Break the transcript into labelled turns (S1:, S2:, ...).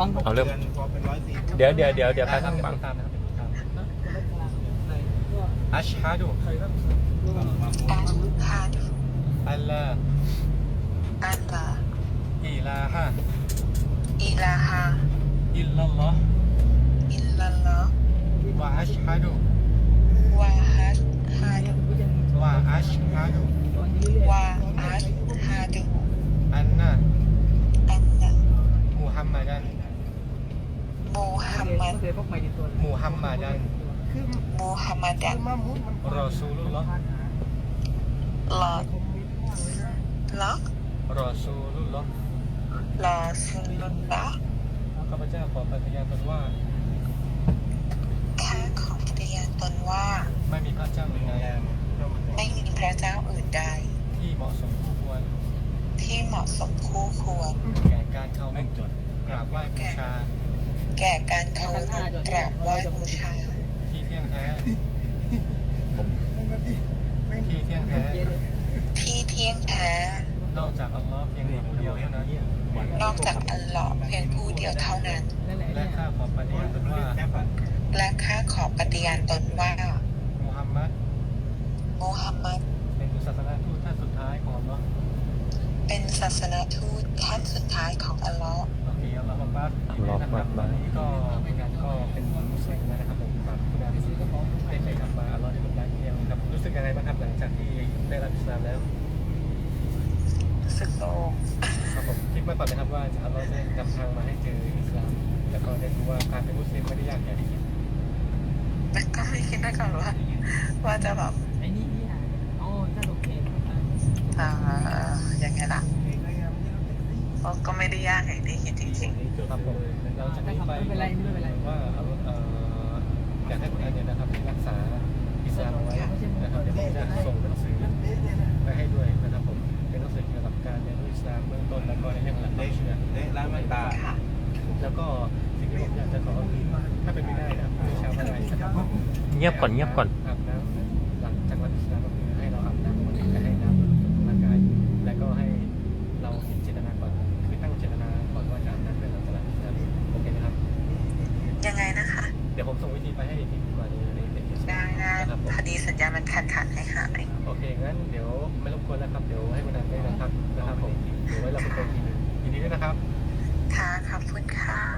S1: เอาเริ่มเดี๋ยวไปทางฝั่งอัชฮะดูอัลลอฮ์อิลาฮะอิลลัลลอฮ์วะอัชฮะดูวะอัชฮะดูอันนะมุฮัมมัดันรอซูลุลลอฮ์รอซูลุลลอฮ์ข้าพเจ้าขอปฏิญาณตนว่าไม่มีพระเจ้าอื่นใดที่เหมาะสมคู่ควรแก่การเคารพกราบไหว้บูชาที่เที่ยงแท้นอกจากอัลลอฮ์เพียงผู้เดียวเท่านั้นและข้าขอปฏิญาณตนว่ามุฮัมมัดเป็นศาสนทูตท่านสุดท้ายของอัลลอฮ์โอเคอัลลอฮ์อักบัรนะครับตอนนี้ก็เป็นการก็เป็นมุสลิมนะครับผมฝากคุณอาที่ได้ไปทำมาอัลลอฮ์ได้เป็นการเที่ยวครับรู้สึกยังไงบ้างครับหลังจากที่ได้รับอิสลามแล้วครับผมคิดมาก่อนนะครับว่าอัลลอฮ์จะนำทางมาให้เจออิสลามแล้วก็ได้รู้ว่าการเป็นมุสลิมไม่ได้ยากอย่างที่คิด
S2: ก็ไม่คิดมาก่อนว่าจะแบบยังไงล่ะก็ไม่ได้ยากอย่างที่คิดจริง
S1: ๆครับผมเราจะไม่ไปว่าอยากให้คุณอาเนี่ยนะครับรักษาอิสลามไว้นะครับเดี๋ยวผมจะส่งหนังสือไปให้ด้วยนะครับผมเป็นหนังสือเกี่ยวกับการเรียนรู้อิสลามเบื้องต้นแล้วก็ในเรื่องหลักความเชื่อแล้วก็สิ่งที่ผมอยากจะขอคือถ้าเป็นไม่ได้นะชาวบ้านไทยเงียบก่อนอาบน้ำหลังจากรับอิสลามก็คือให้เราอาบน้ำและให้น้ำร่างกายและก็ให้เรามีเจตนาก่อนคือตั้งเจตนาก่อนว่าจะอาบน้ำเพื่อเราจะรับอิสลามโอเคนะครับ
S2: ยังไงนะคะ
S1: เดี๋ยวผมส่งวิธีไปให้อีกทีดีกว่าในเพจ
S2: ได้พอดีสัญญามันขาดให้หาย
S1: โอเคงั้นเดี๋ยวไม่รบกวนแล้วครับเดี๋ยวให้คุณนันได้นะครับผมเดี๋ยวไว้เราไปคุยทีนึงยินดีด้วยนะครับ
S2: ค่ะขอบคุณค่ะ